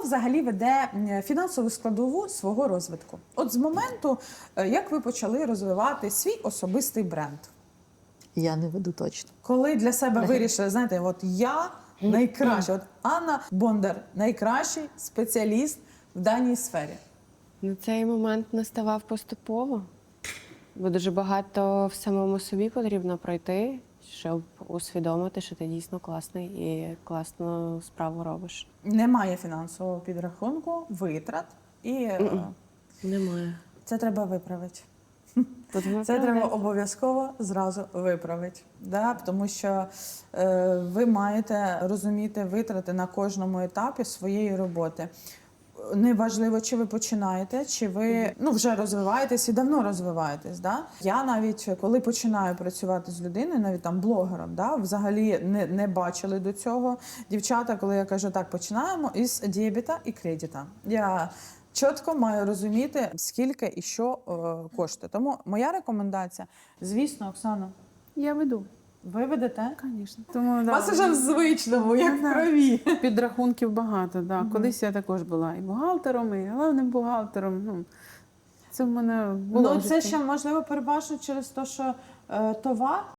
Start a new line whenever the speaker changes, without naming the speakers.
взагалі веде фінансову складову свого розвитку? От з моменту, як ви почали розвивати свій особистий бренд?
Я не веду точно.
Коли для себе вирішили, знаєте, от я найкраща, от Анна Бондар найкращий спеціаліст в даній сфері.
Ну, цей момент наставав поступово, бо дуже багато в самому собі потрібно пройти, щоб усвідомити, що ти дійсно класний і класну справу робиш.
Немає фінансового підрахунку, витрат, і
Немає.
це треба виправити.
Тут
Це треба обов'язково зразу виправити. Да? Тому що ви маєте розуміти витрати на кожному етапі своєї роботи. Неважливо, чи ви починаєте, чи ви вже розвиваєтесь і давно розвиваєтесь. Да? Я навіть, коли починаю працювати з людиною, навіть там блогером, да, взагалі не бачили до цього. Дівчата, коли я кажу, так, починаємо із дебіта і кредита. Я чітко маю розуміти, скільки і що коштує. Тому моя рекомендація, звісно, Оксана,
Я веду,
ви ведете?
звісно. Тому
У вас вже в звичному, як в крові.
підрахунків багато. Да. Колись я також була і бухгалтером, і головним бухгалтером. Ну, це в мене було.
Ну,
в
це
житті.
ще, можливо, переважно через те, що товар